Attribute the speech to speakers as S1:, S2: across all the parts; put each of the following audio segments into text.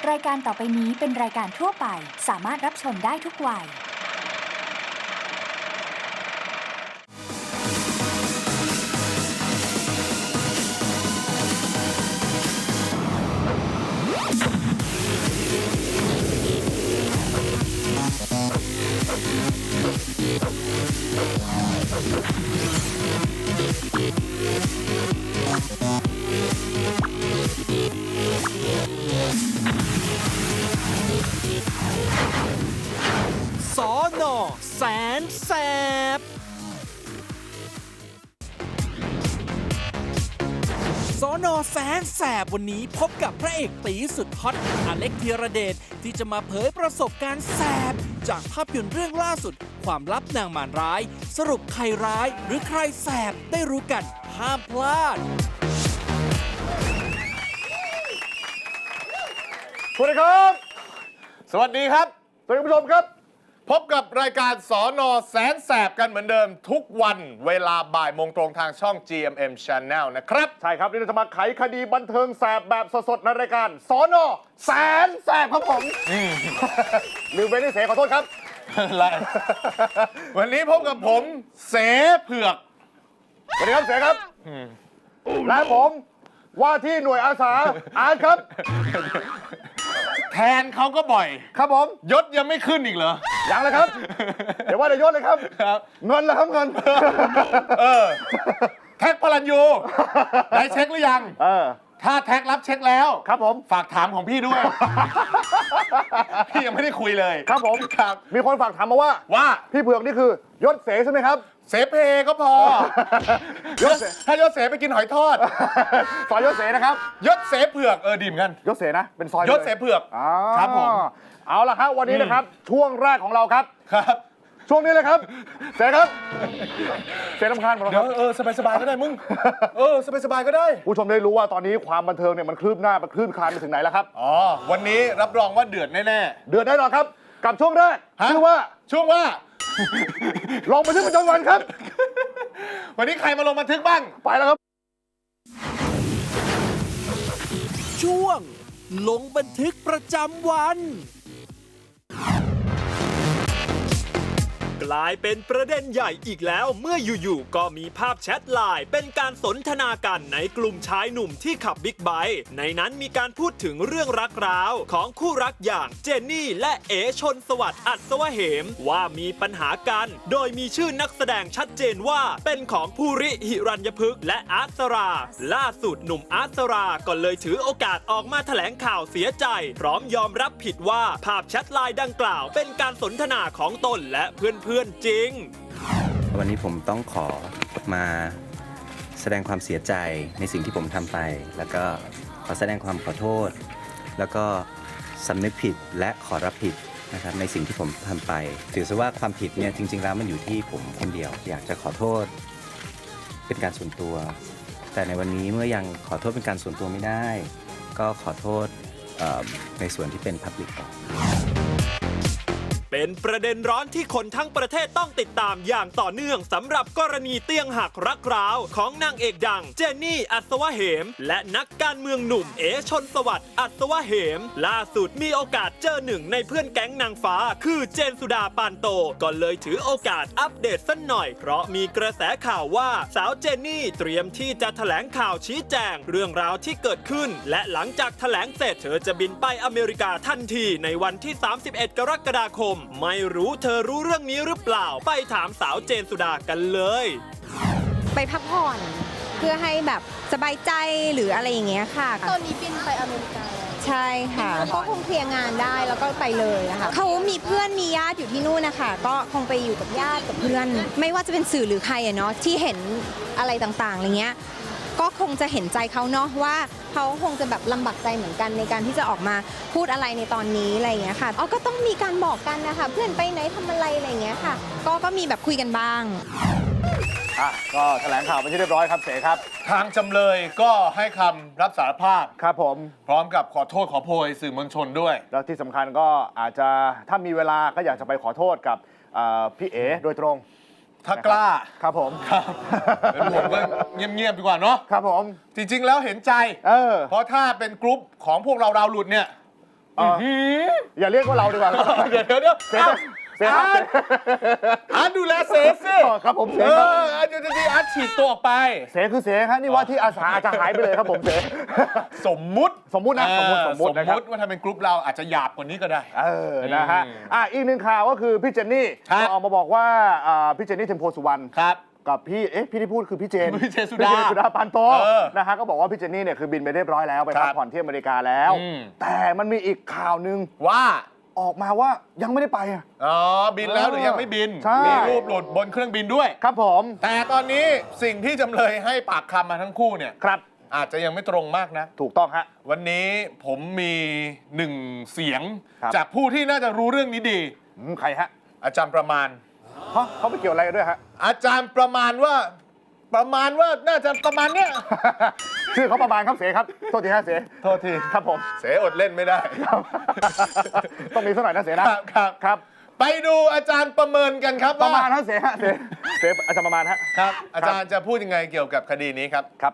S1: รายการต่อไปนี้เป็นรายการทั่วไปสามารถรับชมได้ทุกวัย
S2: สน.แสนแสบสน.แสนแสบวันนี้พบกับพระเอกตีสุดฮอตอเล็กธีรเดชที่จะมาเผยประสบการณ์แสบจากภาพยนตร์เรื่องล่าสุดความลับนางมารร้ายสรุปใครร้ายหรือใครแสบได้รู้กันห้ามพลาด
S3: สวัสดีครับ สวัสดีครับท่านผู้ชมครับ พบกับรายการสน.แสนแสบกันเหมือนเดิมทุกวันเวลาบ่ายโมงตรงทางช่อง GMM Channel นะครับ
S4: ใช่ครับนี่เราจะมาไขคดีบันเทิงแสบแบบสดๆในรายการสน.แสนแสบครับผมลืมไปที่เสขอโทษครับ
S3: อะไร วันนี้พบกับผมเสเผือก
S4: สวัสดีครับเสครับและผมว่าที่หน่วยอาสาอาร์ตครับ
S3: แทนเขาก็บ่อย
S4: ครับผม
S3: ยศยังไม่ขึ้นอีกเหรอ
S4: ยังเลยครับ เดี๋ยวว่าจะยศเลยครับ
S3: ครับ
S4: เงินละครับเงิน
S3: แท็กพลันยูได้เช็คหรือยัง ถ้าแท็กรับเช็คแล้ว
S4: ครับผม
S3: ฝากถามของพี่ด้วย พี่ยังไม่ได้คุยเลย
S4: ครับผม
S3: ครับ
S4: มีคนฝากถามมาว่าพี่เผือกนี่คือยศเสใช่ไหมครับ
S3: เสเพก็พอ
S4: ยศเส
S3: ถ้ายศเสไปกินหอยทอด
S4: ซอยยศเสนะครับ
S3: ยศเสเผือกดีเหมือนกัน
S4: ยศเสนะเป็นซอย
S3: ยศเสเผือก ครับผม
S4: เอาละครับวันนี้นะครับช่วงแรกของเราครับ
S3: ครับ
S4: ช่วงนี้เลยครับเสครับเสรำคาญหมดแล้ว
S3: เดี๋
S4: ค
S3: ยว
S4: รับ
S3: สบายๆก็ได้มึง สบายๆก็ได้
S4: ผู้ชมได้รู้ว่าตอนนี้ความบันเทิงเนี่ยมันคลืบหน้ามันคลื่นคลานไปถึงไหนแล้วครับ
S3: อ๋อ วันนี้รับรองว่าเดือดแน่
S4: เดือดแน่นอนครับ กับช่วงแรก
S3: ฮะ
S4: ชื่อว่า
S3: ๆ ช่วงว่า
S4: ลงบันทึกประจำวันครับ
S3: วันนี้ใครมาลงบันทึกบ้าง
S4: ไปแล้วครับ
S2: ช่วงลงบันทึกประจำวัน กลายเป็นประเด็นใหญ่อีกแล้วเมื่ออยู่ๆก็มีภาพแชทไลน์เป็นการสนทนากันในกลุ่มชายหนุ่มที่ขับบิ๊กไบค์ในนั้นมีการพูดถึงเรื่องรักร้าวของคู่รักอย่างเจนนี่และเอ๋ชนสวัสดิ์อัศวเหมว่ามีปัญหากันโดยมีชื่อนักแสดงชัดเจนว่าเป็นของภูริหิรัญญพฤกษ์และอาร์ตสราล่าสุดหนุ่มอาร์ตสราก็เลยถือโอกาสออกมาแถลงข่าวเสียใจพร้อมยอมรับผิดว่าภาพแชทไลน์ดังกล่าวเป็นการสนทนาของตนและเพื่อนจริง
S5: วันนี้ผมต้องขอมาแสดงความเสียใจในสิ่งที่ผมทำไป แล้วก็ขอแสดงความขอโทษ แล้วก็สำนึกผิดและขอรับผิดนะครับในสิ่งที่ผมทำไปถือซะว่าความผิดเนี่ยจริงๆแล้วมันอยู่ที่ผมคนเดียวอยากจะขอโทษเป็นการส่วนตัว แต่ในวันนี้เมื่อยังขอโทษเป็นการส่วนตัวไม่ได้ ก็ขอโทษในส่วนที่เป็น Public ก่อน
S2: เป็นประเด็นร้อนที่คนทั้งประเทศต้องติดตามอย่างต่อเนื่องสำหรับกรณีเตียงหักรักร้าวของนางเอกดังเจนนี่อัศวเหมและนักการเมืองหนุ่มเอ๋ชนสวัสดิ์อัศวเหมล่าสุดมีโอกาสเจอหนึ่งในเพื่อนแก๊งนางฟ้าคือเจนสุดาปานโตก็เลยถือโอกาสอัปเดตสักหน่อยเพราะมีกระแสข่าวว่าสาวเจนนี่เตรียมที่จะแถลงข่าวชี้แจงเรื่องราวที่เกิดขึ้นและหลังจากแถลงเสร็จเธอจะบินไปอเมริกาทันทีในวันที่ 31 กรกฎาคมไม่รู้เธอรู้เรื่องนี้หรือเปล่าไปถามสาวเจนสุดากันเลย
S6: ไปพักผ่อนเพื่อให้แบบสบายใจหรืออะไรอย่างเงี้ยค่ะ
S7: ตอนนี้บินไปอเมริกาแล้ว
S6: ใช่ค่ะก็คงเคลียร์งานได้แล้วก็ไปเลยนะคะเขามีเพื่อนมีญาติอยู่ที่นู่นนะคะก็คงไปอยู่กับญาติกับเพื่อน ไม่ว่าจะเป็นสื่อหรือใครอะเนาะที่เห็นอะไรต่างๆอะไรเงี้ยก็คงจะเห็นใจเขาเนาะว่าเขาคงจะแบบลำบากใจเหมือนกันในการที่จะออกมาพูดอะไรในตอนนี้อะไรอย่างเงี้ยค่ะก็ต้องมีการบอกกันนะคะเพื่อนไปไหนทำอะไรอะไรอย่างเงี้ยค่ะก็มีแบบคุยกันบ้าง
S4: ก็แถลงข่าวเป็นที่เรียบร้อยครับเสครับ
S3: ทางจำเลยก็ให้คำรับสารภาพ
S4: ครับผม
S3: พร้อมกับขอโทษขอโพยสื่อมวลชนด้วย
S4: แล้วที่สำคัญก็อาจจะถ้ามีเวลาก็อยากจะไปขอโทษกับพี่เอ๋โดยตรง
S3: ถ้ากล้า
S4: ครับผม
S3: เป็นผมก็เงียบๆดีกว่าเนาะ
S4: ครับผม
S3: จริงๆแล้วเห็นใจ เพราะถ้าเป็นกรุ๊ปของพวกเราดาวหลุดเนี่ย
S4: อย่าเรียกว่าเราดีกว่า
S3: เดี๋ยว
S4: เสียครับ
S3: อาร์ตดูแลเสสิ
S4: ครับผมเสี
S3: เอย
S4: ครับ
S3: อาร์ตดีอาร์ตฉีกตัวออกไป
S4: เสียคือเสียครับนี่ว่าที่อาสาอาจจะหายไปเลยครับผมเสีย
S3: สมมุติ
S4: สมมุตินะสมมุตินะครับ
S3: ว่าถ้าเป็นกรุ๊ปเราอาจจะหยาบกว่านี้ก็ได้
S4: นะฮะอีกหนึ่งข่าวก็คือพี่เจนนี่
S3: ครับ
S4: ก็ออกมาบอกว่าพี่เจนนี่เทมโพสุวรรณ
S3: ครับ
S4: กับพี่พี่ที่พูดคือพี่เจน
S3: พี่เจนสุดา
S4: สุดาปานโต
S3: เออ
S4: นะฮะก็บอกว่าพี่เจนนี่เนี่ยคือบินไปเรียบร้อยแล้วไป
S3: ครั
S4: พั
S3: บ
S4: กผ่อนที่อเมริกาแล้ว
S3: อืม
S4: แต่มันมีอีกข่าวหนึ่ง
S3: ว่า
S4: ออกมาว่ายังไม่ได้ไปอะ
S3: อ๋อบินแล้วหรือยังไม่บิน
S4: ใช่
S3: มีรูปหลุดบนเครื่องบินด้วย
S4: ครับผม
S3: แต่ตอนนี้สิ่งที่จำเลยให้ปากคำมาทั้งคู่เนี่ย
S4: ครับ
S3: อาจจะยังไม่ตรงมากนะ
S4: ถูกต้องฮะ
S3: วันนี้ผมมีหนึ่งเสียง
S4: ครับ
S3: จากผู้ที่น่าจะรู้เรื่องนี้ดี
S4: ใครฮะ
S3: อาจารย์ประมาณ
S4: ฮะเขาไม่เกี่ยวอะไรกันด้วยฮะ
S3: อาจารย์ประมาณว่าน่าจะประมาณเนี้ย
S4: ชื่อเขาประมาณครับเสครับโทษทีฮะเส
S3: โทษที
S4: ครับผม
S3: เสอดเล่นไม่ได้
S4: ต้องมีสักหน่อยนะเสนะครับ ครับ
S3: ไปดูอาจารย์ประเมินกันครับ
S4: ประ
S3: ว่า
S4: มาณฮะเสฮะเสอาจารย์ประมาณฮะ
S3: ครับ อาจารย์จะพูดยังไงเกี่ยวกับคดีนี้ครับ
S4: ครับ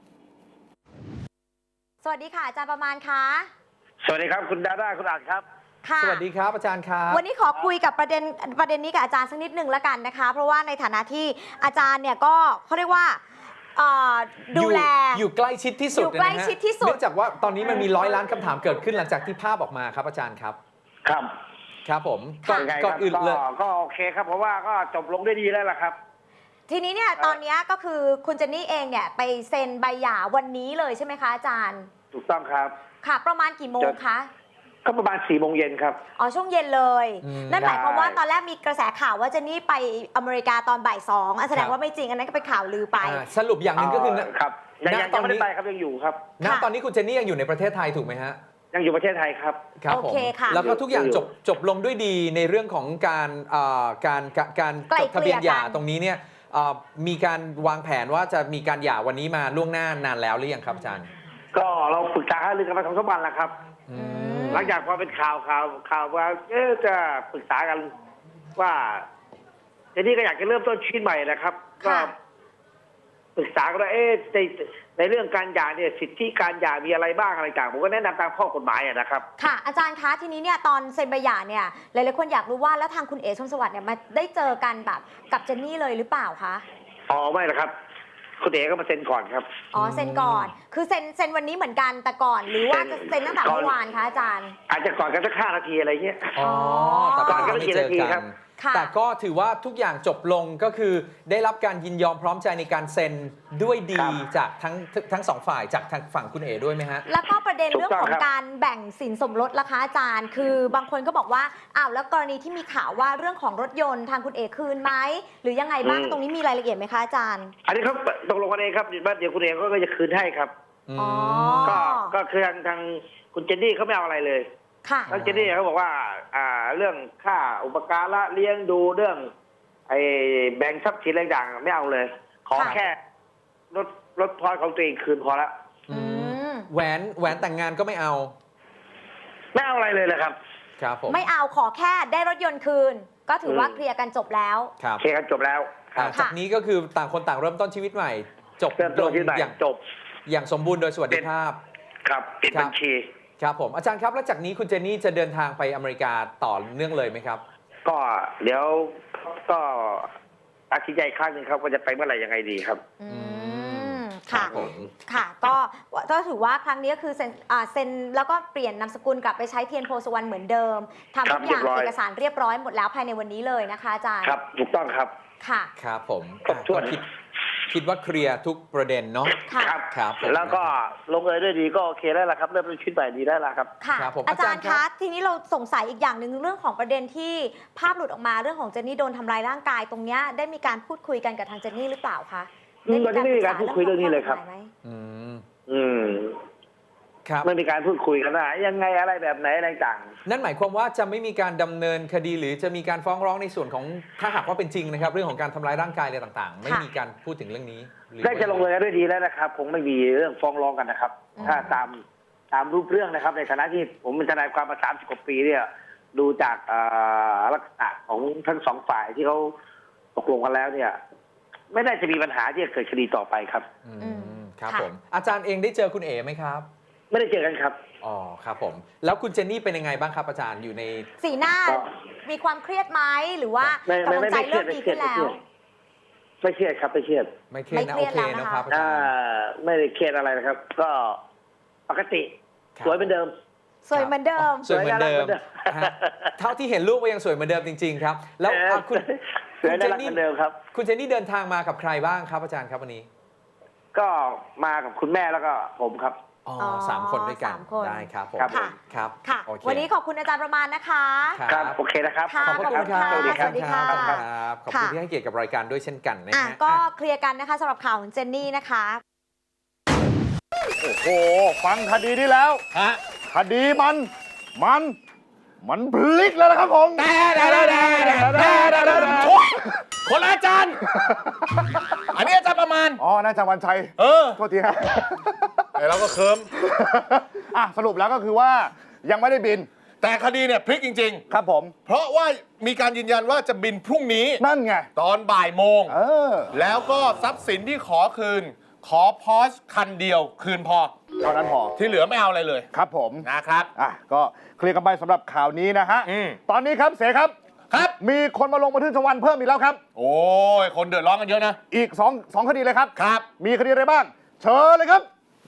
S7: สวัสดีค่ะอาจารย์ประมาณคะ
S8: สวัสดีครับคุณดาด้าคุณอัดครับ
S7: ค่ะ
S9: สวัสดีครับอาจารย์ครับ
S7: วันนี้ขอคุยกับประเด็นนี้กับอาจารย์สักนิดหนึ่งแล้วกันนะคะ เพราะว่าในฐานะที่อาจารย์เนี่ยก็เขาเรียกว่าดูแล
S9: อยู่ใกล้ชิดที่สุด
S7: อยู่ใกล้ชิดที่สุด
S9: เนื่องจากว่าตอนนี้มันมี100 ล้านคำถามเกิดขึ้นหลังจากที่ภาพออกมาครับอาจารย์ครับ
S8: ครับ
S9: ครับผมก่อน
S8: ยังไง
S9: ก่อน
S8: ครับ
S9: อื่นเลย
S8: ก็โอเคครับ เพราะว่าก็จบลงด้วยดีแล้วล่ะครับ
S7: ทีนี้เนี่ยตอนนี้ก็คือคุณเจนนี่เองเนี่ยไปเซ็นใบหย่าวันนี้เลยใช่ไหมคะอาจารย์
S8: ถูกต้องครับ
S7: ค่ะ ประมาณกี่โมงคะ
S8: ก็ประมาณ4 โมงเย็นครับ
S7: อ๋อช่วงเย็นเลย
S9: อืม
S7: นั่นหมายความว่า
S8: ใช่
S7: ตอนแรกมีกระแสข่าวว่าเจนนี่ไปอเมริกาตอนบ่าย2อ่ะแสดงว่าไม่จริงอันนั้นก็เป็นข่าวลือไป
S9: สรุปอย่างหนึ่งก็คือ
S8: ครับยัง
S9: ณตอน
S8: ไม่
S9: นี้
S8: ได้ไปครับยังอยู่ครับ
S9: ณ
S7: ค่ะ
S9: ตอนนี้คุณเจนนี่ยังอยู่ในประเทศไทยถูกไหมฮะ
S8: ยังอยู่ประเทศไทยครับ
S9: ครับ
S7: โอ
S9: ผม
S7: เคค่ะ
S9: แล้วก็ทุกอย่าง
S8: อยู่
S9: จบลงด้วยดีในเรื่องของการ
S7: ไกล่
S9: จดทะเบียนหย่า
S7: เกลี่ยกัน
S9: ตรงนี้เนี่ยมีการวางแผนว่าจะมีการหย่าวันนี้มาล่วงหน้านานแล้วหรือยังครับอาจารย์
S8: ก็เราปรึกษาหารือกันมา2-3 วันแล้วครับ
S9: อืม
S8: หลังจากพอเป็นข่าวว่าจะปรึกษากันว่าเจนนี่ก็อยากจะเริ่มต้นชีวิตใหม่นะครับ ก็
S7: ค่ะ
S8: ปรึกษากันว่าในเรื่องการหย่าเนี่ยสิทธิการหย่ามีอะไรบ้างอะไรต่างผมก็แนะนำตามข้อกฎหมายนะครับ
S7: ค่ะ อาจารย์คะทีนี้เนี่ยตอนเซ็นใบหย่าเนี่ยหลายๆคนอยากรู้ว่าแล้วทางคุณเอ๋ชมสวัสดิ์เนี่ยมาได้เจอกันแบบกับเจนนี่เลยหรือเปล่าคะ
S8: อ๋อไม่หรอกครับคุณเอ๋ก็มาเซ็นก่อนครับ
S7: อ๋อเซ็นก่อน คือเซ็นวันนี้เหมือนกันแต่ก่อน หรือว่าจะเซ็นตั้งแต่เมื่อวานคะอาจารย์
S8: อาจจะก่อนกันสัก5 นาทีอะไรเงี้ย
S9: อ๋อแต่
S8: ก่อนก็
S9: ไม่
S8: ไม่กี่
S9: เจอ
S8: นาที
S9: กั
S8: ครั
S9: น
S8: บ
S7: ค่ะ
S9: แต่ก็ถือว่าทุกอย่างจบลงก็คือได้รับการยินยอมพร้อมใจในการเซ็นด้วยดี
S8: ครับ
S9: จากทั้งสองฝ่ายจากทางฝั่งคุณเอ๋ด้วยไหมฮะ
S7: แล้วก็ประเด็นเรื่องของ
S8: ถูกต้องครับ
S7: การแบ่งสินสมรสล่ะคะอาจารย์ คือบางคนก็บอกว่าอ้าวแล้วกรณีที่มีข่าวว่าเรื่องของรถยนต์ทางคุณเอ๋คืนไหมหรือยังไงบ้างตรงนี้มีรายละเอียดไหมคะอาจารย์
S8: อันนี้เขาตกลงกันเองครับว่าเดี๋ยวคุณเอ๋ก็จะคืนให้ครับ
S7: อ๋อ
S8: ก็คือทางคุณเจนนี่เขาไม่เอาอะไรเลย
S7: ค่ะ
S8: ทางเจนนี่เขาบอกว่าเรื่องค่าอุปการะเลี้ยงดูเรื่องไอ้แบ่งทรัพย์สินอะไรต่างๆไม่เอาเลย ขอ
S7: ค่ะ
S8: แค่รถพอยของตัวเองคืนพอละ
S7: อืม
S9: แหวนแต่งงานก็ไม่เอา
S8: ไม่เอาอะไรเลยเลยครับ
S9: ครับผม
S7: ไม่เอาขอแค่ได้รถยนต์คืน ก็ถือว่าเคลียร์กันจบแล้ว
S9: ครับ
S8: เคลียร์กันจบแล้วครับ
S9: จากนี้ก็คือต่างคนต่างเริ่มต้นชีวิตใหม่ จบ
S8: เริ่มต้นชีวิตใหม่
S9: อย่าง
S8: จบ
S9: อย่างสมบูรณ์โดยสวัสดิภาพ
S8: ครับปิด
S9: ครับ
S8: บัญชี
S9: ครับผมอาจารย์ครับแล้วจากนี้คุณเจนนี่จะเดินทางไปอเมริกาต่อเนื่องเลยไหมครับ
S8: ก็เดี๋ยวก็ตัดสินใจอีกครั้งหนึ่งครับว่าจะไปเมื่อไหร่ยังไงดีครับ
S7: อืมค่ะ
S9: ครับผม
S7: ค่ะก็ถือว่าครั้งนี้ก็คือเซ็นแล้วก็เปลี่ยนนามสกุลกลับไปใช้เทียนโพสุวรรณเหมือนเดิมทำทุกอย่าง
S8: เรียบร้อย
S7: เอกสารเรียบร้อยหมดแล้วภายในวันนี้เลยนะคะอาจารย์
S8: ครับถูกต้องครับ
S7: ค่ะ
S9: ครับผม
S8: ครบถ้วน
S9: ก็คิดว่าเคลียร์ทุกประเด็นเนาะ
S7: ค่ะ
S9: ครับผม
S8: แล้วก็ลงเอยด้วยดีก็โอเคแล้วล่ะครับเริ่มต้นชีวิตใหม่ดีได้แล้วครับ
S7: ค่ะ
S9: ครับผม
S7: อาจารย์
S9: อาจารย์ครั
S7: คะ
S9: บ
S7: ทีนี้เราสงสัยอีกอย่างหนึ่งเรื่องของประเด็นที่ภาพหลุดออกมาเรื่องของเจนนี่โดนทำร้ายร่างกายตรงเนี้ยได้มีการพูดคุยกันกับทางเจนนี่หรือเปล่าคะ
S8: ตอนนี้ไม่มีการพูดคุยเรื่องนี้เลยครับ
S7: ได้มีกาปรึกษาเองของข้อกฎหมายไหม
S9: อืม
S8: อืม
S9: ครับ
S8: ไม่มีการพูดคุยกันว่ายังไงอะไรแบบไหนอะไรต่าง
S9: นั่นหมายความว่าจะไม่มีการดำเนินคดีหรือจะมีการฟ้องร้องในส่วนของถ้าหากว่าเป็นจริงนะครับ เรื่องของการทำร้ายร่างกายอะไรต่างๆ ไม่มีการพูดถึงเรื่องนี้หรือ
S8: ได้จะลงเอยกันด้วยดีแล้วนะครับคงไม่มีเรื่องฟ้องร้องกันนะครับ ถ้าตามรูปเรื่องนะครับ ในฐานะที่ผมเป็นทนายความมา30 กว่าปีเนี่ยดูจากลักษณะของทั้งสองฝ่ายที่เขาตกลงกันแล้วเนี่ย ไม่ได้จะมีปัญหาที่จะเกิดคดีต่อไปครับ
S9: อืมครับ
S7: ค่ะ
S9: ผมอาจารย์เองได้เจอคุณเอ๋ไหมครับ
S8: ไม่ได้เจอกันครับ
S9: อ๋อครับผม แล้วคุณเจนนี่เป็นยังไงบ้างครับอาจารย์อยู่ใน
S7: สีหน้า
S8: ก็
S7: มีความเครียดไหมหรือว่า
S8: ไม่
S7: กำลังใจ
S8: ไม่เครี
S7: เริ่
S8: ยด
S7: มดีขึ้นแล้ว
S8: ไม่เครียดครับไม่เครียด
S9: ไม่เครียดนะ
S7: ไม่
S9: โอ
S7: เครียด
S9: เค
S7: แล้ว
S9: นะ
S7: นะคะ
S9: ครับอา
S8: อ่า
S9: จารย์
S8: ไม่ได้เครียดอะไรนะครับ ก็ปกติ
S9: ครับ
S8: สวยเหมือนเดิม
S7: สวยเหมือนเดิม
S9: สวยเหมือนเดิม
S8: สวยน่ารักเหมือนเดิม
S9: ฮะเท่าที่เห็นรูปก็ยังสวยเหมือนเดิมจริง ๆ ครับ แล้วคุณ
S8: สวยน่ารักเหมือนเดิมครับ
S9: คุณเจนนี่เดินทางมากับใครบ้างครับอาจารย์ครับวันนี้
S8: ก็มากับคุณแม่แล้วก็ผมครับ
S9: อ๋อ
S7: อ๋อ
S9: สามคนด้วยกัน
S7: สามคน
S9: ได้ครับผม
S8: ครับ
S7: ค่ะ
S9: ครับ
S7: ค่ะ
S9: โอเค
S7: วันนี้ขอบคุณอาจารย์ประมาณนะคะ
S8: ครับโอเคนะครับ
S7: ค่ะ
S9: ขอบคุณครับ
S7: ขอบคุณค่ะ
S9: สวัสดี
S7: สวัสดีค่ะ
S9: ครับขอบคุณที่ให้เกียรติกับรายการด้วยเช่นกันนะ
S7: อ่ะ
S9: ฮะ
S7: ก็
S9: อ่ะ
S7: เคลียร์กันนะคะสำหรับข่าวของเจนนี่นะคะ
S4: โอ้โห ฟังคดีนี้แล้ว
S3: ฮะ
S4: คดีมันพลิกแล้วนะครับผม
S3: คนละอาจารย์ อันนี้อาจารย์ประมาณ
S4: อ๋อน่าจะวันชัย
S3: เออ
S4: โทษทีครับ
S3: แต่เราก็เคิม
S4: อ่ะสรุปแล้วก็คือว่ายังไม่ได้บิน
S3: แต่คดีเนี่ยพลิกจริง
S4: ครับผม
S3: ๆ เพราะว่ามีการยืนยันว่าจะบินพรุ่งนี้
S4: นั่นไง
S3: ตอนบ่ายโมง
S4: เออ
S3: แล้วก็ทรัพย์สินที่ขอคืน ขอพอสคันเดียวคืนพอ
S4: เท่านั้นพอ
S3: ที่เหลือไม่เอาอะไรเลย
S4: ครับผม
S3: นะครับ
S4: อ่ะก็เคลียร์กันไปสำหรับข่าวนี้นะฮะ
S3: อืม
S4: ตอนนี้ครับเสครับ
S3: ครับ
S4: มีคนมาลงบันทึกประจำวันเพิ่มอีกแล้วครับ
S3: โอ้ย คนเดือดร้อนกันเยอะนะ
S4: อีกสองคดีเลยครับ
S3: ครับ
S4: มีคดีอะไรบ้าง เชิญเลยครับ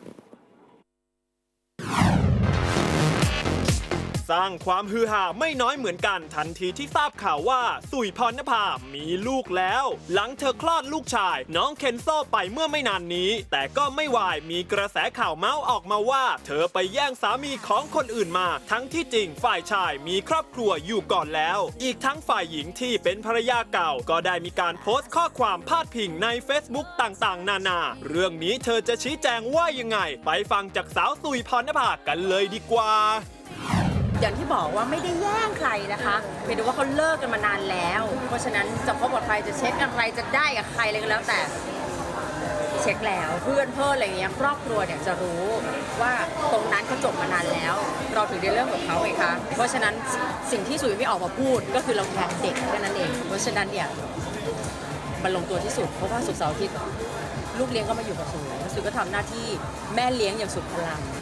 S2: สร้างความฮือฮาไม่น้อยเหมือนกันทันทีที่ทราบข่าวว่าสุยพรณภามีลูกแล้ว หลังเธอคลอดลูกชาย น้องเคนโซไปเมื่อไม่นานนี้ แต่ก็ไม่วายมีกระแสข่าวเมาส์ออกมาว่า เธอไปแย่งสามีของคนอื่นมา ทั้งที่จริงฝ่ายชายมีครอบครัวอยู่ก่อนแล้ว อีกทั้งฝ่ายหญิงที่เป็นภรรยาเก่า ก็ได้มีการโพสต์ข้อความพาดพิงใน Facebook ต่างๆ นานา เรื่องนี้เธอจะชี้แจงว่ายังไง ไปฟังจากสาวสุยพรณภากันเลยดีกว่า
S10: อย่างที่บอกว่าไม่ได้แย่งใครนะคะเพียงแต่ว่าเขาเลิกกันมานานแล้ว เพราะฉะนั้นจะพบกับใครจะเช็คอะไรจะได้กับใครอะไรก็แล้วแต่เช็คแล้วเพื่อนอะไรอย่างเงี้ยครอบครัวเนี่ยจะรู้ว่าตรงนั้นเขาจบมานานแล้ว เราถึงได้เริ่มกับเขาไงคะเพราะฉะนั้นสิ่งที่สุยไม่ออกมาพูดก็คือเราแคร์เด็กแค่นั้นเองเพราะฉะนั้นเนี่ยมันลงตัวที่สุดเพราะว่าศุกร์เสาร์อาทิตย์ลูกเลี้ยงก็มาอยู่กับสุยก็ทำหน้าที่แม่เลี้ยงอย่างสุดพลัง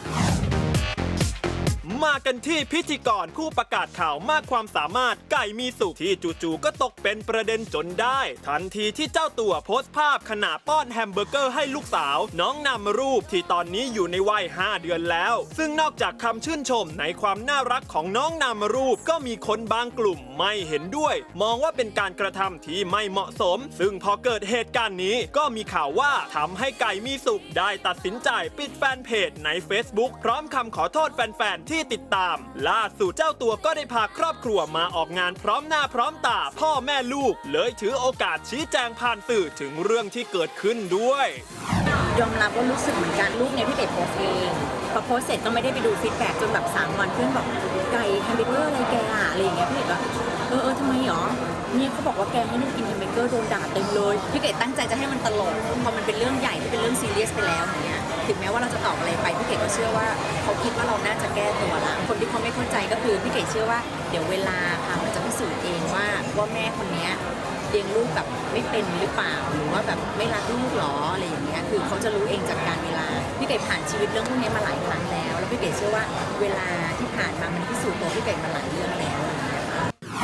S2: มากันที่พิธีกรผู้ประกาศข่าวมากความสามารถไก่มีสุขที่จู่ๆก็ตกเป็นประเด็นจนได้ ทันทีที่เจ้าตัวโพสต์ภาพขณะป้อนแฮมเบอร์เกอร์ให้ลูกสาว น้องนำรูปที่ตอนนี้อยู่ในวัย 5 เดือนแล้ว ซึ่งนอกจากคำชื่นชมในความน่ารักของน้องนำรูปก็มีคนบางกลุ่มไม่เห็นด้วย มองว่าเป็นการกระทำที่ไม่เหมาะสม ซึ่งพอเกิดเหตุการณ์นี้ก็มีข่าวว่าทำให้ไก่มีสุขได้ตัดสินใจปิดแฟนเพจใน Facebook พร้อมคำขอโทษแฟนๆที่ติดตามล่าสุดเจ้าตัวก็ได้พาครอบครัวมาออกงานพร้อมหน้าพร้อมตาพ่อแม่ลูกเลยถือโอกาสชี้แจงผ่านสื่อถึงเรื่องที่เกิดขึ้นด้วย
S10: ยอมรับว่ารู้สึกเหมือนกันรูปเนี่ยพี่เก๋โพสต์เองพอโพสต์เสร็จก็ไม่ได้ไปดูฟีดแบ็กจนแบบ3 วันเพื่อนบอกไก่แฮมเบอร์เกอร์อะไรแกอะอะไรอย่างเงี้ยพี่เก๋ก็ทำไมหรอเนี่ยเขาบอกว่าแกให้ลูกกินแฮมเบอร์เกอร์โดนด่าเต็มเลยพี่เก๋ตั้งใจจะให้มันตลกพอมันเป็นเรื่องใหญ่ที่เป็นเรื่องซีเรียสไปแล้วอย่างเงี้ยถึงแม้ว่าเราจะตอบอะไรไปพี่เก๋ก็เชื่อว่าเขาคิดว่าเราน่าจะแก้ตัวละคนที่เขาไม่เข้าใจก็คือพี่เก๋เชื่อว่าเดี๋ยวเวลาค่ะมันจะพิสูจน์เองว่าแม่คนเนี้ยเลี้ยงลูกแบบไม่เป็นหรือเปล่าหรือว่าแบบไม่รักลูกหรออะไรอย่างเงี้ยคือเขาจะรู้เองจากการเวลาพี่เก๋ผ่านชีวิตเรื่องพวกนี้มาหลายครั้งแล้วแล้วพี่เก๋เชื่อว่าเวลาที่ผ่านมามันพิสูจน์ตัวพี่เก๋มาหลายเรื่องแล้วอะไรอย่างเงี้ยค่ะ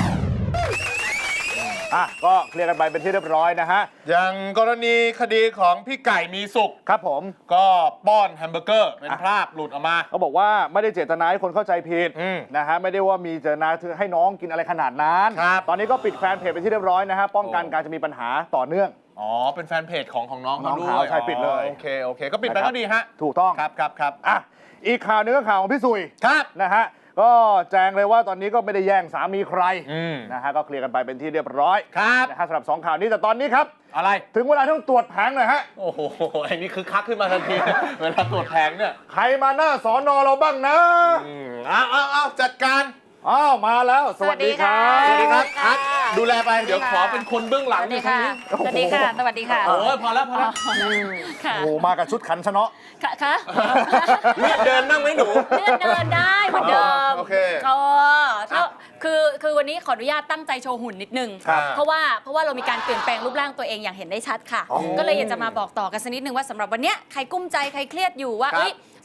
S4: อ่ะก็เคลียร์กันไปเป็นที่เรียบร้อยนะฮะ
S3: อย่างกรณีคดีของพี่ไก่มีสุข
S4: ครับผม
S3: ก็ป้อนแฮมเบอร์เกอร์เป็นภาพหลุดออกมา
S4: เขาบอกว่าไม่ได้เจตนาให้คนเข้าใจผิด
S3: อืม
S4: นะฮะไม่ได้ว่ามีเจตนาให้น้องกินอะไรขนาดนั้น
S3: ครับ
S4: ตอนนี้ก็ปิดแฟนเพจไปนที่เรียบร้อยนะฮะป้องกัน
S3: โอ้
S4: การจะมีปัญหาต่อเนื่อง
S3: อ๋อ เป็นแฟนเพจของน้อง
S4: น้อง
S3: ด้ว
S4: เขา
S3: ย
S4: ใช่ปิดเลย
S3: โอเค ก็ปิดไป
S4: นะครับ
S3: ก็ดีฮะ
S4: ถูกต้อง
S3: ครับ
S4: อ่ะอีกข่าวหนึงก็ข่าวของพี่สุย
S3: ครับ
S4: นะฮะก็แจ้งเลยว่าตอนนี้ก็ไม่ได้แย่งสามีใคร
S3: อืม
S4: นะฮะก็เคลียร์กันไปเป็นที่เรียบร้อย
S3: ครับ
S4: นะฮะสำหรับ2ข่าวนี้แต่ตอนนี้ครับ
S3: อะไร
S4: ถึงเวลาต้องตรวจแผงหน่อยฮะ
S3: โอ้โหไอ้นี่คือคักขึ้นมาทันที เวลาตรวจแผงเนี่ย
S4: ใครมาหน้าสอนอเราบ้างนะ
S3: เอาจัดการ
S4: อ้าวมาแล้ว สวัสดีครับ
S3: สวัสดีครับอาร์ตดูแลไป เดี๋ยวขอเป็นคนเบื้องหลัง
S10: สวัสดี
S3: ตรง
S10: ค่ะ
S3: นี้
S10: สวัสดีค่ะ สวัสดีค่ะ
S3: โอ้ยพอแล้ว
S10: ค่ะ
S4: โอ้โหมากับชุดขันชะเนาะ
S10: ค่ะ
S3: เลือดเดินนั่งไหมหนู
S10: เลื่อนเดินได้เหมือนเดิม
S3: โอเค
S10: คือวันนี้ขออนุญาตตั้งใจโชว์หุ่นนิดนึง
S3: ครับ
S10: เพราะว่าเรามีการเปลี่ยนแปลงรูปร่างตัวเองอย่างเห็นได้ชัดค่ะ
S4: อ๋อ
S10: ก็เลยอยากจะมาบอกต่อกันสักนิดนึงว่าสำหรับวันเนี้ยใครกุ้มใจใครเครียดอยู่ว่า
S3: ครับ
S10: เอ้ย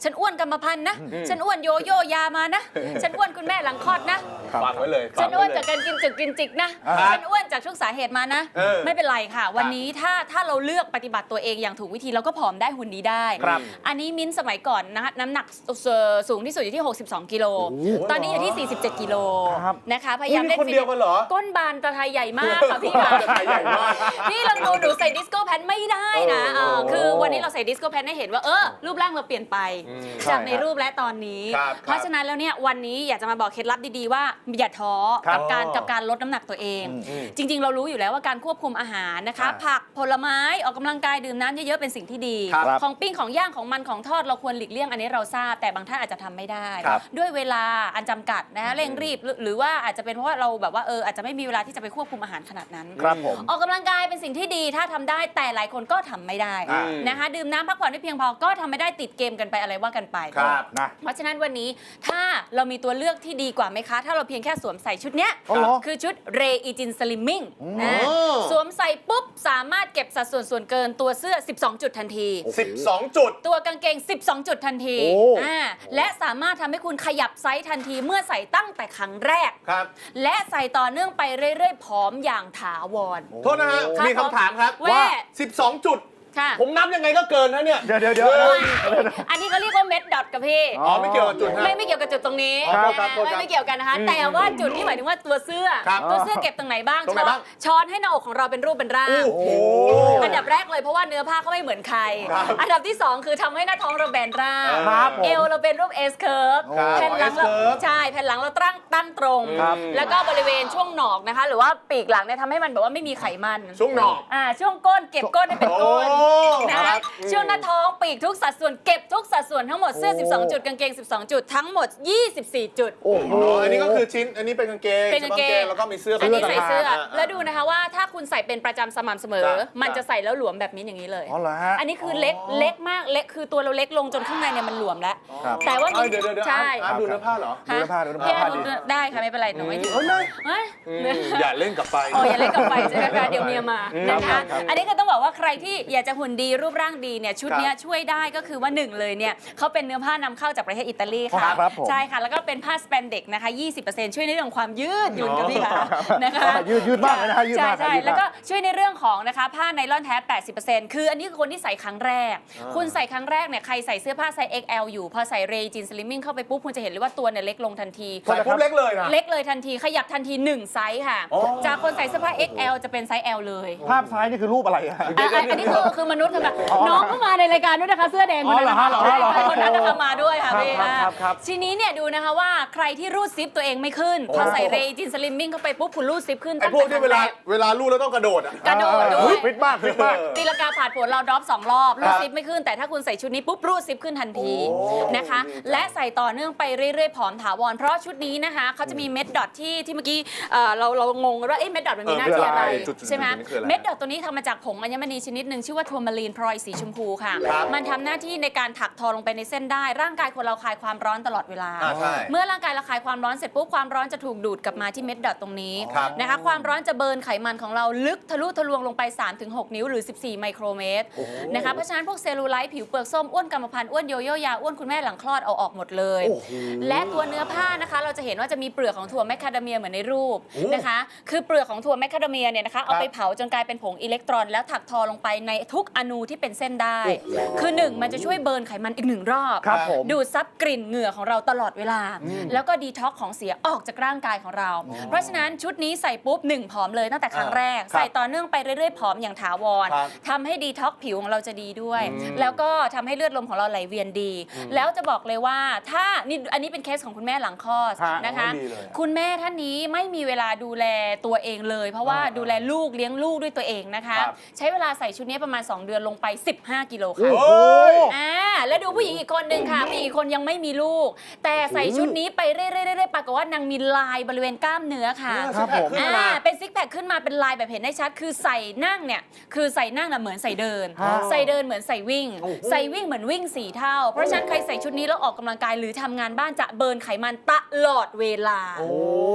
S11: ฉันอ้วนกรรมพันธุ์นะฉันอ้วนโยโย่ยามานะฉันอ้วนคุณแม่หลังคลอดนะ
S3: ฟังไว้เลย
S11: ฉันอ้วนจากการกินจุกกินจิกนะฉันอ้วนจากทุกสาเหตุมานะ ไม่เป็นไรค่ะ วันนี้ถ้าเราเลือกปฏิบัติตัวเองอย่างถูกวิธีเราก็ผอมได้หุ่นดีได้อันนี้มิ้นสมัยก่อนนะน้ำหนักสูงที่สุดอยู่ที่62กิโลตอนนี้อยู่ที่47กิโลนะคะพยายามเล่นฟิตเนสก้นบานตะไทยใหญ่มากค่ะพี่ค่ะพี่ลองดูหนูใส่ดิสโก้แพนไม่ได้นะคือวันนี้เราใส่ดิสโก้แพนให้เห็นว่ารูปร่างเราเปลี่ยนไปจากในรูปและตอนนี้เพราะฉะนั้นแล้วเนี่ยวันนี้อยากจะมาบอกเคล็ดลับดีๆว่าอย่าท้อกับการลดน้ำหนักตัวเองจริงๆเรารู้อยู่แล้วว่าการควบคุมอาหารนะคะผักผลไม้ออกกำลังกายดื่มน้ำเยอะๆเป็นสิ่งที่ดีของปิ้งของย่างของมันของทอดเราควรหลีกเลี่ยงอันนี้เราทราบแต่บางท่านอาจจะทำไม่ได้ด้วยเวลาอันจำกัดนะเร่งรีบหรือว่าอาจจะเป็นเพราะว่าเราแบบว่าอาจจะไม่มีเวลาที่จะไปควบคุมอาหารขนาดนั้นออกกำลังกายเป็นสิ่งที่ดีถ้าทำได้แต่หลายคนก็ทำไม่ได้นะคะดื่มน้ำพักผ่อนไม่เพียงพอก็ทำไม่ได้ติดเกมกันไปอะไรว่ากันไปเพราะฉะนั้นวันนี้ถ้าเรามีตัวเลือกที่ดีกว่าไหมคะถ้าเราเพียงแค่สวมใส่ชุดเนี้ยคือชุดเรอีจินสลิมมิ่งสวมใส่ปุ๊บสามารถเก็บสัดส่วนเกินตัวเสื้อ12จุดทันที
S3: 12จุด
S11: ตัวกางเกง12จุดทันทีและสามารถทำให้คุณขยับไซส์ทันทีเมื่อใส่ตั้งแต่ครั้งแรกและใส่ต่อเนื่องไปเรื่อยๆผอมอย่างถาวร
S3: โทษนะฮะมีคำถามครับว่า12จุดผมนับยังไงก็เกินนะเนี่ย
S4: เดี๋ยว
S11: อันนี้เขาเรียกว่าเม็ดดอทกับพี่
S3: ไม่เกี่ยวกับจุด
S11: ไม่เกี่ยวกับจุดตรงนี้ไม่เกี่ยวกันนะคะแต่ว่าจุดที่หมายถึงว่าตัวเสื้อเก็บตรงไหนบ้างช้อนให้หน้าอกของเราเป็นรูปเป็นร่างอันดับแรกเลยเพราะว่าเนื้อผ้าเขาไม่เหมือนใครอันดับที่2คือทำให้หน้าท้องเราแบนร่างเอวเราเป็นรูป S curve แผ่นหลังเราใช่แผ่นหลังเราตั้งตรงแล้วก็บริเวณช่วงหนอกนะคะหรือว่าปีกหลังเนี่ยทำให้มันแบบว่าไม่มีไขมัน
S3: ช่วงหนอก
S11: ช่วงก้นเก็บก้นให้เป็นก้นนะคะช่วงหน้าท้องปีกทุกสัดส่วนเก็บทุกสัดส่วนทั้งหมดเสื้อ12จุดกางเกง12จุดทั้งหมด24จุด
S3: อันนี้ก็คือชิ้นอันนี้เป็นกางเกงแล้วก็มีเสื้อ
S11: อันนี้ใส่เสื้อแล้วดูนะคะว่าถ้าคุณใส่เป็นประจำสม่ำเสมอมันจะใส่แล้วหลวมแบบนี้อย่างนี้เลยอันนี้คือเล็กมากเล็กคือตัวเราเล็กลงจนข้างในเนี่ยมันหลวมแล้วแต่ว่า
S3: เดี๋ยวใช่ดูเนื้อผ้าเหรอ
S4: ดูเนื้อผ้า
S11: ได้ค่ะไม่เป็นไรหนูไม่
S3: อย่าเล่นกับไฟ
S11: อย่าเล่นกับไฟใช่ไหมคะเดี๋ยวเมียมานะคะอันนี้ก็ต้องบอกว่าใครที่อยากจะหุ่นดีรูปร่างดีเนี่ยชุดนี้ช่วยได้ก็คือว่า1เลยเนี่ยเขาเป็นเนื้อผ้านำเข้าจากประเทศอิตาลีค่ะใช่ค่ะแล้วก็เป็นผ้าสแปนเด็กนะคะ 20% ช่วยในเรื่องของความยืดหยุ่นกับพี่ค่ะนะคะ
S4: ยืดมากเลยนะคะยืดมาก
S11: ใช่แล้วก็ช่วยในเรื่องของนะคะผ้าไนลอนแท้ 80% คืออันนี้คือคนที่ใส่ครั้งแรกคุณใส่ครั้งแรกเนี่ยใครใส่เสื้อผ้าไซส์ XL อยู่พอใส่เรจินสลิมมิ่งเข้าไปปุ๊บคุณจะเห็นเลยว่าตัวเนี่ยเล็กลงทันที
S3: ใส่ปุ๊บเล็กเลยนะ
S11: เล็กเลยทันทีขยับทันที1ไซส์ค่ะจากคนใส่เสื้อผ้า XL จะเป็นไซส์ L เลย
S4: ภาพซ้ายนี่คือรูปอะไร
S11: อันนี้คือมนุษย์ค่ะน้องก็มาในรายการด้วยนะคะเสื้อแดงคนนั้นคนนั้นนะคะมาด้วยค่ะพี่ทีนี้เนี่ยดูนะคะว่าใครที่รูดซิปตัวเองไม่ขึ้นพอใส่เรจินสลิมมิ่งเข้าไปปุ๊บคุณรูดซิปขึ้น
S3: ไอ้พวกที่เวลารูดแล้วต้องกระโดด
S11: ด้วย
S4: ฟิตมาก
S11: ตีลังกาผ่านผลเราดรอป2รอบรูดซิปไม่ขึ้นแต่ถ้าคุณใส่ชุดนี้ปุ๊บรูดซิปขึ้นทันทีนะคะและใส่ต่อเนื่องไปเรื่อยๆผอมถาวรเพราะชุดนี้นะคะเขาจะมีเม็ดดอทที่เมื่อกี้เรางงว่าเม็ดดอทมันมีหน้าที่อะไรใช่ไหมเม็ดดอทตัวนี้ทำมาจากผงอัญมณีชนิดหนึ่งชื่อว่าทัวร์มารีนพลอยสีชมพูค่ะมันทำหน้าที่ในการถักทอลงไปในเส้นได้ร่างกายคนเราคลายความร้อนตลอดเวลาเมื่อร่างกายเราคลายความร้อนเสร็จปุ๊บความร้อนจะถูกดูดกลับมาที่เม็ดดอทตรงนี้นะคะความร้อนจะเบิร์นไขมันของเราลึกทะลุทะลวงลงไป 3-6 นิ้วหรือ14ไมโครเมตรนะคะเพราะฉะนั้นพวกเซลลูไลท์ผิวเปลือกส้มอ้วนกรรมพันธุ์อ้วนโยโย่ยาอ้วนคุณแม่หลังคลอดเอาออกหมดเลยและตัวเนื้อผ้านะคะเราจะเห็นว่าจะมีเปลือกของถั่วแมคคาเดเมียเหมือนในรูปนะคะคือเปลือกของถั่วแมคคาเดเมียเนี่ยนะคะเอาไปเผาจนกลายเป็นผงอิเล็กตรอนแล้วถักทอลงไปในทุกอนูที่เป็นเส้นได้คือ1มันจะช่วยเบิร์นไขมันอีก1รอบดูดซับกลิ่นเหงื่อของเราตลอดเวลาแล้วก็ดีท็อกของเสียออกจากร่างกายของเราเพราะฉะนั้นชุดนี้ใส่ปุ๊บ1ผอมเลยตั้งแต่ครั้งแรกใส่ต่อเนื่องไปเรื่อยๆผอมอย่างถาวรทำให้ดีท็อกผิวของเราจะดีด้วยแล้วก็ทำให้เลือดลมของเราไหลเวียนดีแล้วจะบอกเลยว่าถ้านี่อันนี้เป็นเคสของคุณแม่หลังคลอดนะคะคุณแม่ท่านนี้ไม่มีเวลาดูแลตัวเองเลยเพราะว่าดูแลลูกเลี้ยงลูกด้วยตัวเองนะคะใช้เวลาใส่ชุดนี้ประมาณ2 เดือนลงไป15 กิโลค่ะแล้วดูผู้หญิงอีกคนนึงค่ะผู้หญิงอีกคนยังไม่มีลูกแต่ใส่ชุดนี้ไปเรื่อยๆปรากฏว่านางมีลายบริเวณกล้ามเนื้อค่ะเป็นซิกแพคขึ้นมาเป็นลายแบบเห็นได้ชัดคือใส่นั่งเนี่ยคือใส่นั่งเหมือนใส่เดินใส่เดินเหมือนใส่วิ่งใส่วิ่งเหมือนวิ่ง4 เท่าเพราะฉะนั้นใครใส่ชุดนี้แล้วออกกำลังกายหรือทำงานบ้านจะเบิร์นไขมันตลอดเวลา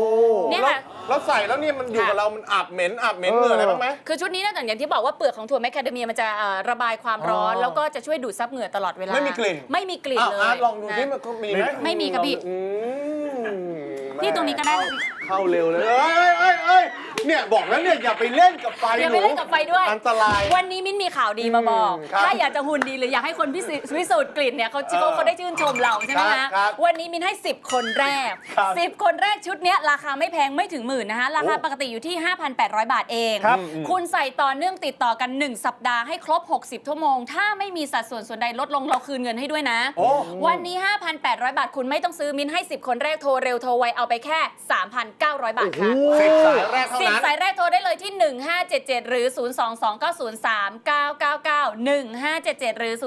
S11: เนี่ยค่ะ
S3: แล้วใส่แล้วเนี่ยมันอยู่กับเรามันอาบเหม็นเหงื่ออะไรบ้างไหม
S11: คือชุดนี้นอกจากอย่างที่บอกว่าเปลือกของถั่วแมคคาเดเมียมันจะระบายความร้อน แล้วก็จะช่วยดูดซับเหงื่อตลอดเวลา
S3: ไม่มีกลิ่น
S11: ไม่มีกลิ่นเลย
S3: อาร์ตลองดูที่มันมีไหม
S11: ไม่มีครับพี่ พี่ตรงนี้ก็ได้ค่ะพี่
S3: เข้าเร็วเลยเอ้ยเนี่ยบอกแล้วเนี่ยอย่าไปเล่นกับไฟ
S11: อย่าไปเล่นกับไฟด้วย
S3: อันตราย
S11: วันนี้มิ้นมีข่าวดีมาบอก
S3: ครับ
S11: ถ้าอยากจะหุ่นดีหรืออยากให้คนพิสูจน์กลิ่นเนี่ยเขาได้ชื่นชมเราใช่ไหม
S3: ครั
S11: คะ
S3: บครับ
S11: วันนี้มิ้นให้ 10 คนแรก
S3: ครับ
S11: 10 คนแรกชุดเนี้ยราคาไม่แพงไม่ถึงหมื่นนะคะราคาปกติอยู่ที่ 5,800 บาทเอง
S4: ครับ
S11: คุณใส่ต่อเนื่องติดต่อกัน 1 สัปดาห์ให้ครบ 60 ชั่วโมง ถ้าไม่มีสัดส่วนใดลดลงเราคืนเงินให้ด้วยนะ
S3: โอ้
S11: วันนี้ 5,800 บาทคุณไม่ต้องซื้อมิ้นให้ 10 คนแรกโทรเร็วโทรไวเอาไปแค่ 3,900 บาทค่ะ
S3: 10 สายแรกเท่า
S11: 10
S3: นั้น
S11: สายแรกโทรได้เลยที่ 1577 หรือ 022903999 1577 หรือ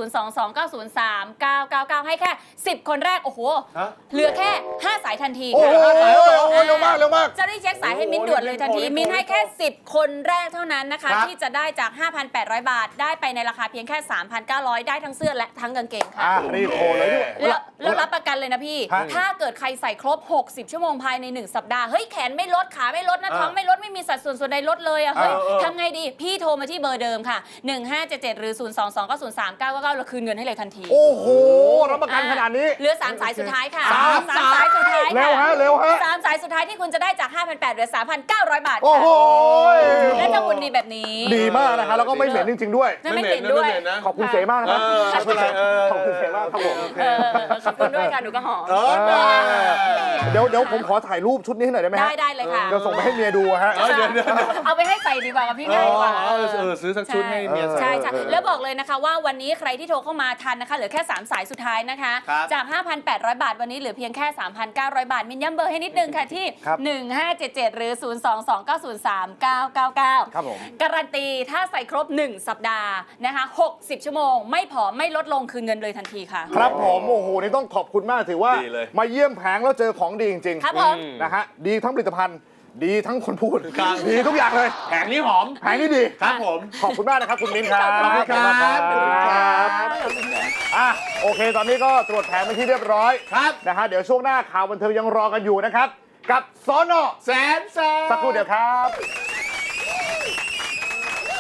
S11: 022903999 ให้แค่ 10 คนแรก โอ้โห
S3: ฮะ
S11: เหลือแค่ 5 สายทันที
S4: โอ้โห
S11: ค่ะ
S4: เร็วมากเร็วมาก
S11: จะได้เช็คสายให้มิ้นด่วนเลยทันที
S3: โอ้โห
S11: มิ้นให้แค่ 10 คนแรกเท่านั้นนะคะ
S3: ครับ
S11: ที่จะได้จาก 5,800 บาท ได้ไปในราคาเพียงแค่ 3,900 ได้ทั้งเสื้อและทั้งกางเกงค่ะ
S4: รีบโทรเลยด้วย
S11: แล้วรับประกันเลยนะพี่
S4: ฮะ
S11: ถ้าเกิดใครใส่ครบ 60 ชั่วโมงภายใน 1 สัปดาห์ เฮ้ย แขนไม่ลด ขาไม่ลดนะ ท้องไม่ลด ไม่มีสัดส่วนใดลดเลยอะเฮ้ย ทำไงดี พี่โทรมาที่เบอร์เดิมค่ะ 1577 หรือ 022903999เราคืนเงินให้เลยทันที
S4: โอ้โหรับประกันขนาดนี้
S11: เหลือ 3 สายสุดท้ายค่ะ
S4: สาม
S11: สายสุดท้าย
S4: เร็วฮะเร็วฮะ
S11: 3 สายสุดท้ายที่คุณจะได้จาก 5,800 เหลือ 3,900 บาท
S4: โอ้
S11: ค่ะ
S4: โห
S11: และจะหุ่นดีแบบนี้
S4: ดีมากนะคะแล้วก็ไม่เหม็นจริง ๆ ด้วย
S11: ไม่เหม็นด้วย
S3: ไม่เหม็นนะ
S4: ขอบคุณเสมากนะครับ
S3: ไม่เป็นไร
S4: ขอบคุณเสมากครับผม
S11: ขอบคุณด้วยค่ะหนูก็หอม
S4: เดี๋ยวผมขอถ่ายรูปชุดนี้ให้หน่อยได้ไหมฮะ
S11: ได้เลยค่ะ
S4: เดี๋ยวส่งไปให้เมียดูฮะ
S3: เดี๋ยว
S11: เอาไปให้ใส่ดีกว่ากับพี่ง่ายกว่า
S3: ซื้อสักชุดให้เมียใส่
S11: ใช่ใช่แล้วบอกเลยนะคะว่าวันนี้ใครที่โทรเข้ามาทันนะคะเหลือแค่ 3 สายสุดท้ายนะคะ
S3: ครับ
S11: จาก 5,800 บาทวันนี้เหลือเพียงแค่ 3,900 บาทมินย้ำเบอร์ให้นิดนึงค่ะที่
S4: ครับ
S11: 1577 หรือ 022903999
S4: ครับผม
S11: การันตีถ้าใส่ครบ 1 สัปดาห์นะคะ60 ชั่วโมง ไม่ผอมไม่ลดลงคืนเงินเลยทันทีค่ะ
S4: ครับผมโอ้โหนี่ต้องขอบคุณมากถือว่า
S3: ดีเลย
S4: มาเยี่ยมแผงแล้วเจอของดีจริงๆ
S11: ครับผม
S4: นะฮะดีทั้งผลิตภัณฑ์ ดีทั้งคนพูด
S3: ครับ
S4: ดีทุกอย่างเลย
S3: แผงนี้หอม
S4: แผงนี้ดี
S3: ครับผม
S4: ขอบคุณมากนะครับคุณมิ้นครับ
S3: ขอบคุณครับ
S4: ขอบคุณครับอ่ะโอเค ตอนนี้ก็ตรวจแผงเป็นที่เรียบร้อย
S3: ครับ
S4: นะฮะเดี๋ยวช่วงหน้าข่าวบันเทิงยังรอกันอยู่นะครับ กับสน
S3: แสน
S4: สักครู่เดียวครับ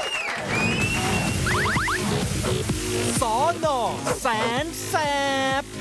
S2: สอนอแสนแสบ